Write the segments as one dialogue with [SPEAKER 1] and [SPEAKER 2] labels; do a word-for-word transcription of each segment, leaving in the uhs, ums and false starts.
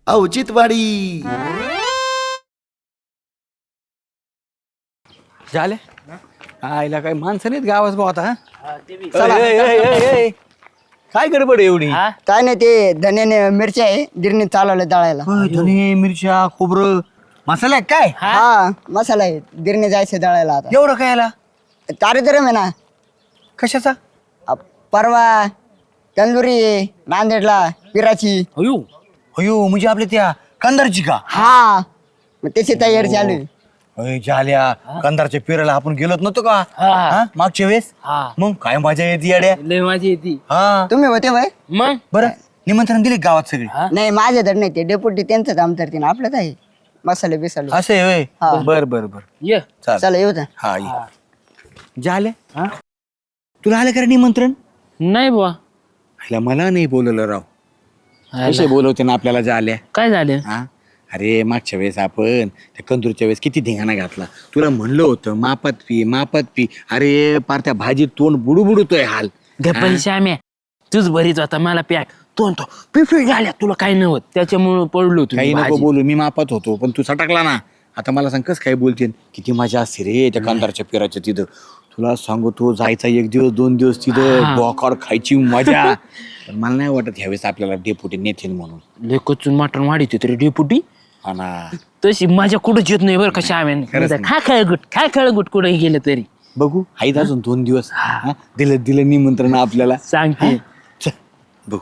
[SPEAKER 1] औचित्यवाडी.
[SPEAKER 2] झाले आईला काही माणसं नाहीत गावात भाऊ आता.
[SPEAKER 3] चला.
[SPEAKER 2] ए, ए, ए, ए, ए. काय गडबड आहे एवढी?
[SPEAKER 3] काय नाही ते धन्याने मिरच्या आहे गिरणीत चालवलं दळायला.
[SPEAKER 2] होय, धने मिरच्या खोबरं मसाला आहे काय?
[SPEAKER 3] हा मसाला आहे गिरणी जायचं दळायला आता.
[SPEAKER 2] एवढं काय याला?
[SPEAKER 3] कार्यक्रम आहे ना.
[SPEAKER 2] कशाचा?
[SPEAKER 3] अ, परवा तंदुरी आहे नांदेडला पिराची.
[SPEAKER 2] अयो अयो म्हणजे आपल्या त्या कंदारची का?
[SPEAKER 3] हा मग त्याची तयारी चालू आहे.
[SPEAKER 2] अय, झाल्या कंदारच्या पेराला आपण गेलोत नव्हतो का हा? मागच्या वेळेस मग काय मजा येते येड्या.
[SPEAKER 4] लय माझी येते.
[SPEAKER 2] हा
[SPEAKER 3] तुम्ही होते वय
[SPEAKER 4] मग
[SPEAKER 2] बरं निमंत्रण दिले गावात सगळे?
[SPEAKER 3] नाही माझे तर नाही ते डेपुटी त्यांचंच आमदार तीन आपलं आहे मसाले बिसाले.
[SPEAKER 2] असं आहे होय.
[SPEAKER 3] हा.
[SPEAKER 2] बर बर बर
[SPEAKER 4] ये
[SPEAKER 2] चाल.
[SPEAKER 3] चला येऊ द्या.
[SPEAKER 2] हा ये. झाल्या तुला आलं का रे निमंत्रण?
[SPEAKER 4] नाही बुवा.
[SPEAKER 2] ह्याला मला नाही बोलवलं राव. कसे बोलवते ना आपल्याला झाल्या?
[SPEAKER 4] काय झालं?
[SPEAKER 2] हा अरे मागच्या वेळेस आपण त्या कंदूरच्या वेळेस किती धिंगाणा घातला. तुला म्हणलं होतं मापात पी मापात पी. अरे पार त्या भाजीत तोंड बुडू बुडतोय हाल.
[SPEAKER 4] गप्पा श्याम्या तूच भरीत होता मला पॅक तो तो पिफी झाल्या तुला काही नव्हत त्याच्यामुळे पडलो
[SPEAKER 2] काही
[SPEAKER 4] तुम्ही
[SPEAKER 2] नको बोलू मी मापात होतो पण तू सटकला ना. आता मला सांग कस काय बोलते किती मजा असते रे त्या कंदारच्या पेराच्या तिथं. तुला सांगू तू जायचा एक दिवस दोन दिवस तिथं बोकाड खायची मजा. पण मला नाही वाटत ह्यावेळेस आपल्याला डेपुटी नेतील म्हणून.
[SPEAKER 4] लय कचून मटण वाढीत तरी डेपुटी
[SPEAKER 2] हा ना
[SPEAKER 4] तशी माझ्या कुठंच येत नाही बरं का श्याम्याने. खा खेळगुट खा खेळगुट कुठे गेलं तरी
[SPEAKER 2] बघू आहेत अजून दोन दिवस. हा, दिलं दिलं निमंत्रण आपल्याला.
[SPEAKER 4] सांगते
[SPEAKER 2] चल, बघू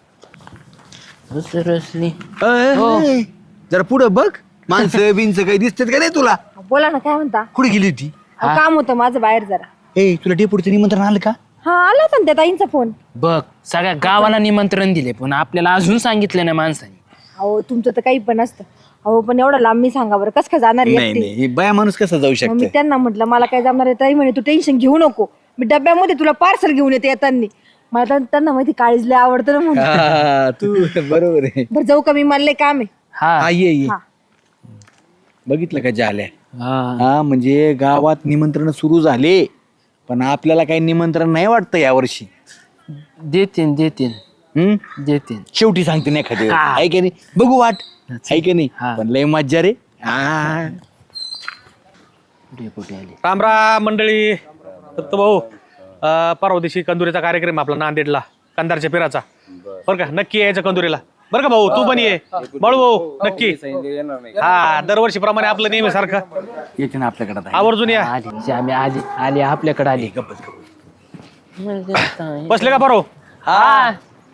[SPEAKER 4] रसली.
[SPEAKER 2] अय, जरा पुढं बघ माणसं बिनचं काही दिसतात का नाही तुला?
[SPEAKER 5] बोला ना काय म्हणता.
[SPEAKER 2] कुठे गेली होती?
[SPEAKER 5] अहो, काम होतं माझं बाहेर जरा.
[SPEAKER 2] ए तुला डेपुटीचं निमंत्रण आलं का?
[SPEAKER 5] हा आला होता ना त्या ताईंचा फोन.
[SPEAKER 4] बघ सगळ्या गावाला निमंत्रण दिले पण आपल्याला अजून सांगितलं नाही माणसाने.
[SPEAKER 5] अहो तुमचं तर काही पण असतं. अहो पण एवढं लांब मी सांगा बरं कसं काय जाणार
[SPEAKER 2] नाही
[SPEAKER 5] एकटी?
[SPEAKER 2] नाही बाया माणूस कसा जाऊ
[SPEAKER 5] मग मी
[SPEAKER 2] शकतो?
[SPEAKER 5] त्यांना म्हटलं मला काय जमणार आहे. ताई म्हणे तू टेन्शन घेऊ नको मी डब्यामध्ये तुला पार्सल घेऊन येते येताना. मला तर- त्यांना माहिती काळीज लय आवडतं ना म्हणून.
[SPEAKER 2] हा, तू बरोबर आहे.
[SPEAKER 5] बरं जाऊ का मी मला लय काम आहे.
[SPEAKER 4] हा
[SPEAKER 2] हा, ये ये.
[SPEAKER 5] हा.
[SPEAKER 2] बघितलं का झाल्या?
[SPEAKER 4] हा
[SPEAKER 2] हा म्हणजे गावात निमंत्रण सुरू झाले पण आपल्याला काही निमंत्रण नाही वाटतं यावर्षी.
[SPEAKER 4] देतीन देतीन
[SPEAKER 2] हम्म
[SPEAKER 4] देतीन.
[SPEAKER 2] शेवटी सांगते नाही एखादी
[SPEAKER 4] हा.
[SPEAKER 2] आहे की नाही बघू वाट आहे की नाही.
[SPEAKER 4] हा.
[SPEAKER 2] पण लय मज्जा रे. हा
[SPEAKER 4] डेपुटी आले.
[SPEAKER 6] राम राम मंडळी. दत्त भाऊ अं, परवा दिवशी कंदुरीचा कार्यक्रम आहे आपला नांदेडला कंदारच्या पेराचा. बरं का नक्की यायचं कंदुरीला बरं का भाऊ. तू पण ये बाळू भाऊ नक्की. हा दरवर्षी प्रमाणे आपलं नेहमी सारखं
[SPEAKER 2] येते ना आपल्याकडे आता.
[SPEAKER 6] आवर्जून या.
[SPEAKER 4] आली श्याम्या आली आली आपल्याकडे आली.
[SPEAKER 6] बसले का बरो?
[SPEAKER 4] हा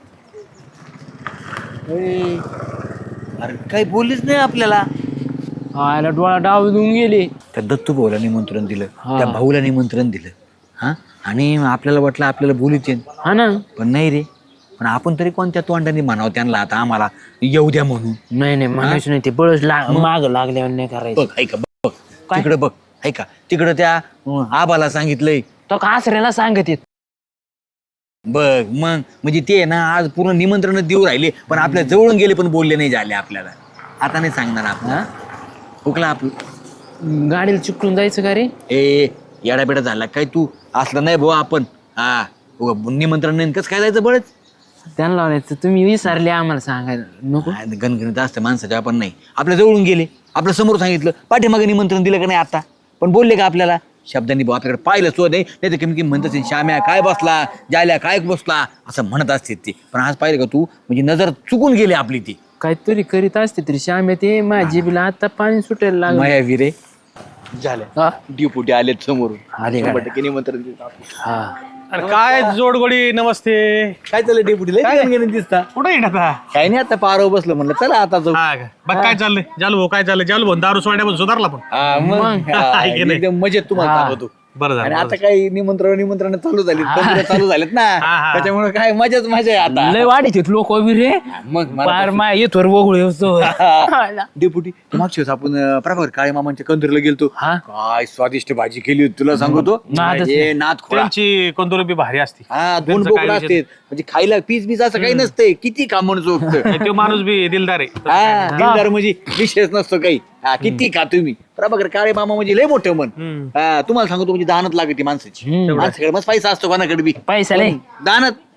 [SPEAKER 2] अरे काही बोललीच नाही आपल्याला.
[SPEAKER 4] आला डोळा डाव देऊन गेले.
[SPEAKER 2] त्या दत्तू भाऊला निमंत्रण दिलं
[SPEAKER 4] हा.
[SPEAKER 2] त्या भाऊला निमंत्रण दिलं. हा आणि आपल्याला वाटलं आपल्याला बोलूच येईन
[SPEAKER 4] हा ना.
[SPEAKER 2] पण नाही रे. पण आपण तरी कोणत्या तोंडाने म्हणावं त्यांना आता आम्हाला येऊ द्या म्हणून.
[SPEAKER 4] नाही नाही म्हणायचं नाही ते बळच माग लागल्यावर नाही करायचं.
[SPEAKER 2] बघ ऐका बघ तिकडे बघ ऐका तिकडं त्या अं, आबाला सांगितलंय.
[SPEAKER 4] तो कासऱ्याला सांगत येत.
[SPEAKER 2] बघ मग म्हणजे ते ना आज पूर्ण निमंत्रण देऊ राहिले पण आपल्या जवळून गेले पण बोलले नाही झाले आपल्याला. आता नाही सांगणार आपण. हुकला आपलं
[SPEAKER 4] गाडीला चिकटून जायचं का रे?
[SPEAKER 2] ए येडाबेडा झाला काय तू असलं नाही भाऊ आपण. हा उगा निमंत्रण नाही कसं काय जायचं बळच.
[SPEAKER 4] त्यांना लावायचं तुम्ही विसरले आम्हाला सांगायला नको.
[SPEAKER 2] गणगणित असतं माणसाच्या आपण नाही. आपल्या जवळून गेले आपल्या समोर सांगितलं पाठीमागे निमंत्रण दिलं का नाही आता पण बोलले का आपल्याला शब्दांनी भाऊ आपल्याकडे पाहिलं सो नाही नाही तर कमी कमी म्हणत असेल श्याम्या काय बसला जायला काय बसला असं म्हणत असते ते. पण आज पाहिलं का तू म्हणजे नजर चुकून गेली आपली ती.
[SPEAKER 4] काहीतरी करीत असते तरी श्याम्या ते माझी बिला आता पाणी सुटायला लागलं.
[SPEAKER 2] माया विरे झाले
[SPEAKER 4] हा?
[SPEAKER 2] ड्युपुटी आलेत समोरून.
[SPEAKER 4] आले का?
[SPEAKER 2] शंभर टक्के निमंत्रण दिलं.
[SPEAKER 4] हा
[SPEAKER 6] अरे काय जोडगोडी नमस्ते.
[SPEAKER 2] काय चाललंय डेपुटीला दिसता?
[SPEAKER 6] कुठे येणार आता?
[SPEAKER 2] काय नाही आता पारव बसलो म्हणलं चला आता जाऊ.
[SPEAKER 6] हा का? बघ काय चाललंय जालू भाऊ काय चाललंय जालू भाऊ दारू सोडण्या पण सुधारला पण.
[SPEAKER 2] हा, मग हा,
[SPEAKER 6] आहे की नाही?
[SPEAKER 2] एकदम मजेत तुम्हाला सांगतो.
[SPEAKER 6] बरं
[SPEAKER 2] आणि
[SPEAKER 6] झालं
[SPEAKER 2] आता काही निमंत्रण निमंत्रण चालू झाली चालू झालेत ना
[SPEAKER 6] हा, हा.
[SPEAKER 2] त्याच्यामुळे काय मजाच मजा आहे आता.
[SPEAKER 4] लय वाढीत लोक उभी रे.
[SPEAKER 2] मग मला
[SPEAKER 4] पार मा येतोर वगळू येतो.
[SPEAKER 2] डेपुटी तू मागच्या वेळेस आपण अं, प्रभाकर काळे मामांच्या कंदरीला गेलतो.
[SPEAKER 4] हा?
[SPEAKER 2] काय स्वादिष्ट भाजी केली होती तुला सांगतो.
[SPEAKER 4] नादच
[SPEAKER 2] हे नाद खोळा.
[SPEAKER 6] त्यांची कंदुरी बी भारी असते.
[SPEAKER 2] हा दोन
[SPEAKER 6] त्यांचं
[SPEAKER 2] बोकडं
[SPEAKER 6] काय
[SPEAKER 2] असते म्हणजे खायला पीस बीस असं काही नसतंय. किती कामण चोखत
[SPEAKER 6] तो माणूस बी दिलदार आहे.
[SPEAKER 2] हा दिलदार म्हणजे विशेष नसतो काही. हा किती खा तुम्ही. प्रभाकर काळे मामा म्हणजे लय मोठं मन. हा तुम्हाला सांगतो म्हणजे दानत लागते माणसाची. माणसाकडे मस्त पैसा असतो कोणाकडे बी
[SPEAKER 4] पैसा लय.
[SPEAKER 2] दानत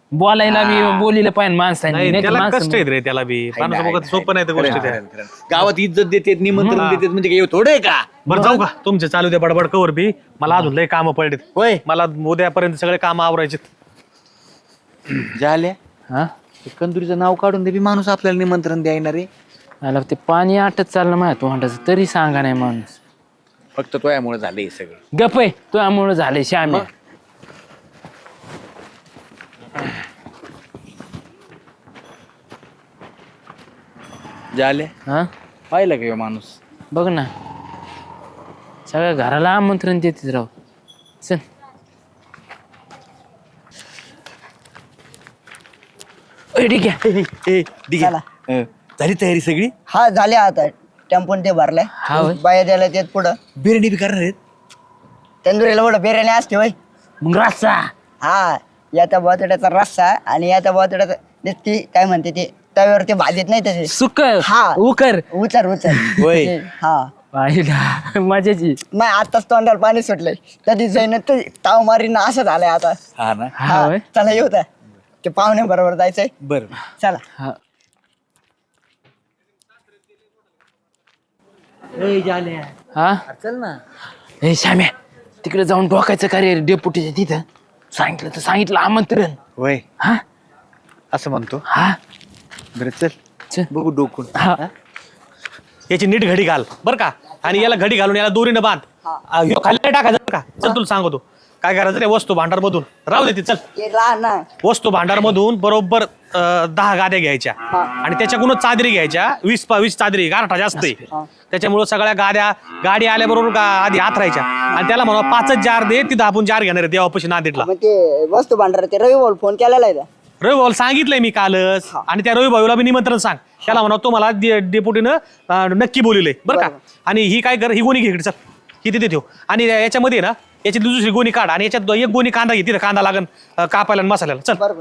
[SPEAKER 4] बोलायला मी बोलिलं पाहिजे माणसाने
[SPEAKER 6] नाही
[SPEAKER 4] नाही तर
[SPEAKER 6] त्याला
[SPEAKER 4] माणसं-
[SPEAKER 6] कष्ट आहेत रे त्याला बी माणसाबरोबर सोपं नाही त्या गोष्टी त्या
[SPEAKER 2] गावात इज्जत देतात निमंत्रण देतात म्हणजे काय थोडं आहे का?
[SPEAKER 6] बरं जाऊ का तुमचे चालू दे बडबड कवर बी मला अजून लय कामं पडलेत
[SPEAKER 2] होय
[SPEAKER 6] मला उद्यापर्यंत सगळे काम आवरायचे
[SPEAKER 2] झाल्या
[SPEAKER 4] हा
[SPEAKER 2] कंदुरीचं नाव काढून दे बी माणूस आपल्याला निमंत्रण द्यायना रे.
[SPEAKER 4] मला ते पाणी आटत चाललं माझ्या तोंडाचं तरी सांगा नाही माणूस.
[SPEAKER 2] फक्त तोयामुळे झालं हे सगळं.
[SPEAKER 4] गप आहे तुझ्यामुळं झाले श्याम्या.
[SPEAKER 2] झाल्या
[SPEAKER 4] हा
[SPEAKER 2] पाहिलं का ह्यो माणूस?
[SPEAKER 4] बघ ना सगळ्या घराला आमंत्रण देते राव. चल ए, ठीक आहे
[SPEAKER 2] ए, ए, ठीक आहे.
[SPEAKER 3] चला.
[SPEAKER 2] अं, झाली तयारी सगळी?
[SPEAKER 3] हा झाले आता टेम्पोन ते
[SPEAKER 4] हा
[SPEAKER 3] भरलाय
[SPEAKER 4] होय.
[SPEAKER 3] बाया द्यायला तेच पुढं
[SPEAKER 2] बिर्याणी बी करणार आहेत?
[SPEAKER 3] तंदुरीला पुढं बिर्याणी असते होय.
[SPEAKER 4] मग रस्सा
[SPEAKER 3] हा याचा बटाट्याचा रस्सा आणि याचा बटाट्याचा ते ती काय म्हणते ते तव्यावर ते भाजत नाही तसे
[SPEAKER 4] सुक
[SPEAKER 3] हा.
[SPEAKER 4] उकर
[SPEAKER 3] उचल उचल
[SPEAKER 2] होय.
[SPEAKER 3] ते, हा
[SPEAKER 4] पाहिला मजाची.
[SPEAKER 3] नाही आताच तोंडाला पाणी सुटलंय कधी जाईन ते ताव मारीन असं झालंय आता.
[SPEAKER 2] हा ना
[SPEAKER 4] हा
[SPEAKER 3] हा
[SPEAKER 4] होय.
[SPEAKER 3] चला येऊ द्या ते पाहुण्या बरोबर जायचंय
[SPEAKER 2] बरं.
[SPEAKER 3] चला.
[SPEAKER 4] हा हा
[SPEAKER 2] चल ना.
[SPEAKER 4] हे श्याम्या तिकडे जाऊन डोकायचं का रे डेपुटीच्या तिथं सांगितलं तर सांगितलं आमंत्रण.
[SPEAKER 2] होय
[SPEAKER 4] हा
[SPEAKER 2] असं म्हणतो.
[SPEAKER 4] हा
[SPEAKER 2] बरं चल
[SPEAKER 4] चल.
[SPEAKER 2] बघू डोकून.
[SPEAKER 4] हा
[SPEAKER 6] याची नीट घडी घाल बर का आणि याला घडी घालून याला दोरीनं बांध आ, ह्यो खाली नाही टाकायचं बरं का. चल तुला सांगतो काय करायचं रे वस्तू भांडार मधून राहू दे ती चल
[SPEAKER 3] ते लहान ना
[SPEAKER 6] वस्तू भांडार मधून बरोबर अं, दहा गाद्या घ्यायच्या आणि त्याच्याकडूनच चादरी घ्यायच्या वीस पा वीस चादरी गारठा जास्त आहे त्याच्यामुळं सगळ्या गाद्या गाडी आल्याबरोबर गा आधी हात राहायच्या आणि त्याला म्हणा पाचच जार दे तिथं आपण जार घेणार आहे देवापाशी नांदेडला
[SPEAKER 3] मग ते वस्तू भांडार ते रवी बोल फोन केलेला आहे का?
[SPEAKER 6] रवी भाऊ सांगितलंय मी कालच आणि त्या रवी भाऊला मी निमंत्रण सांग त्याला म्हणा तो मला डे- डेपुटीनं अं, नक्की बोलिलंय बरं का. आणि ही काय कर ही गोणी घे इकडे चल ही तिथे ठेव आणि याच्यामध्ये ना याची दुसरी गोणी काढ आणि याच्यात एक गोणी कांदा घे तिथे कांदा लागन अं, कापायला आणि मसाल्याला चल
[SPEAKER 3] बरोबर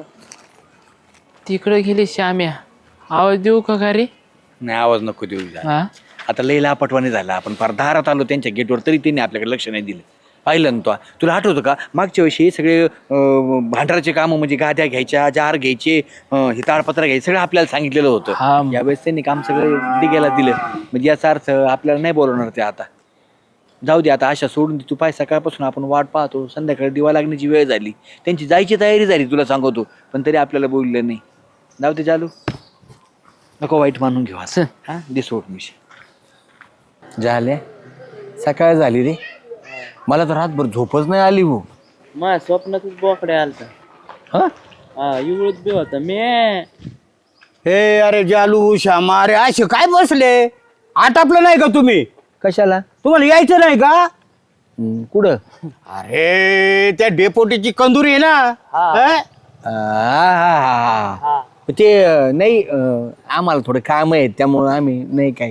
[SPEAKER 4] तिकडे गेले श्याम्या आवाज देऊ का का रे.
[SPEAKER 2] नाही आवाज नको देऊ जा.
[SPEAKER 4] हा
[SPEAKER 2] आता लई लापटवाने झाला आपण फार दारात आलो त्यांच्या गेटवर तरी त्यांनी आपल्याकडे लक्ष नाही दिलं. पाहिलं ना तो तुला आठवतं का मागच्या वर्षी हे सगळे अं, भांडाराचे कामं म्हणजे गाद्या घ्यायच्या जार घ्यायचे अं, हे ताडपत्र घ्यायचे सगळं आपल्याला सांगितलेलं
[SPEAKER 4] हा.
[SPEAKER 2] होतं. यावेळेस त्यांनी काम सगळं दिग्याला दिलं म्हणजे याचा अर्थ आपल्याला नाही बोलवणार ते आता. जाऊ दे आता आशा सोडून दे तू पाय सकाळपासून आपण वाट पाहतो संध्याकाळी दिवा लागण्याची वेळ झाली त्यांची जायची तयारी झाली तुला सांगतो पण तरी आपल्याला बोललं नाही. जाऊ दे चालू नको वाईट मानून घेऊ असं हा दे सोड मिशी. झाले सकाळ झाली रे मला तर रातभर झोपच नाही आली भाऊ.
[SPEAKER 4] माझ्या स्वप्नातच बोकड्या आलता.
[SPEAKER 2] हा
[SPEAKER 4] हा एवढंच बी होता मी.
[SPEAKER 1] हे अरे जालू श्यामा अरे असे काय बसले आटापलं नाही का तुम्ही
[SPEAKER 2] कशाला
[SPEAKER 1] तुम्हाला यायचं नाही का
[SPEAKER 2] हम्म, कुठं
[SPEAKER 1] अरे त्या डेपोटीची कंदुरी आहे ना हं?
[SPEAKER 2] आ, हा, हा, हा. ते अं, नाही अं, आम्हाला थोडं काम आहे त्यामुळं आम्ही नाही काय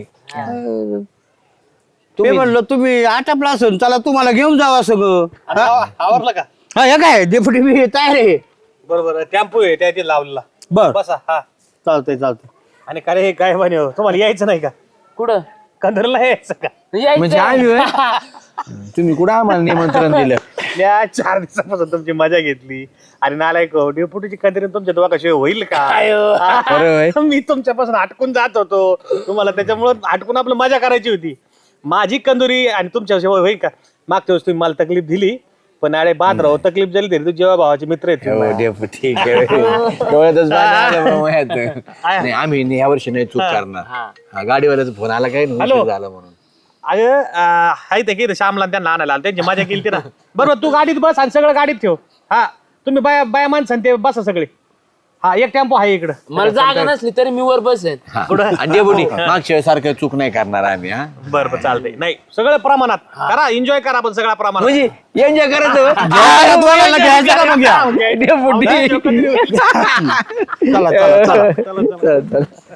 [SPEAKER 1] मी म्हणलं तुम्ही आटापला असेल चला तुम्हाला घेऊन जावा सगळं हं?
[SPEAKER 6] आवरलं का
[SPEAKER 1] हा हे काय डेपुटी मी तयार आहे
[SPEAKER 6] बरोबर टेम्पो आहे त्या इथे लावलेला
[SPEAKER 1] बर
[SPEAKER 6] बसा हा
[SPEAKER 1] चालतंय चालतंय
[SPEAKER 6] आणि काय रे हे काय म्हणे हो, तुम्हाला यायचं नाही का
[SPEAKER 4] कुठं
[SPEAKER 6] कंदरला यायचं का
[SPEAKER 2] म्हणजे आम्ही होय? तुम्ही कुठं आम्हाला निमंत्रण दिलं
[SPEAKER 6] या चार दिवसापासून तुमची मजा घेतली आणि नालायक हो, डेपुटीची कंदरी तुमच्या दोघाशी होईल का
[SPEAKER 2] बरं होय.
[SPEAKER 6] मी तुमच्यापासून हटकून जात होतो तुम्हाला त्याच्यामुळं हटकून आपलं मजा करायची होती. माझी कंदुरी आणि तुमच्या होईल का मागच्या वेळेस तुम्ही मला तकलीफ दिली पण अरे बाद राहो तकलीफ झाली तरी तू जेव्हा भावाचे मित्र आहेत
[SPEAKER 2] हो,
[SPEAKER 6] तुम्ही.
[SPEAKER 2] डेपुटी, डोळ्यातच पाणी आलं बा माझ्यात. नाही आम्ही या वर्षी नाही चूक करणार हा, गाडीवाल्याचा फोन आला काय नाही,
[SPEAKER 6] हॅलो.
[SPEAKER 2] उशीर झाला म्हणून.
[SPEAKER 6] अगं अं, हाय ते की श्यामला आणि त्यांना आणायला आलं. त्यांची मजा केली ती ना बरोबर तू गाडीत बस आणि सगळं गाडीत ठेव हा तुम्ही बाया बाया माणसं ते बसा सगळे हा एक टेम्पो आहे इकडं
[SPEAKER 4] मला जागा नसली तरी मी वर बसेन.
[SPEAKER 2] हा. आणि डेपुटी मागच्या सारखं चूक नाही करणार आम्ही हा
[SPEAKER 6] बरं बरं चालतंय नाही सगळं प्रमाणात करा एन्जॉय करा आपण सगळ्या प्रमाणात
[SPEAKER 2] म्हणजे एन्जॉय करायचं
[SPEAKER 1] जेवायला दोघांना घ्यायचं का मग घ्या?
[SPEAKER 2] डेपुटी
[SPEAKER 1] चला चला चला
[SPEAKER 2] चला, चला.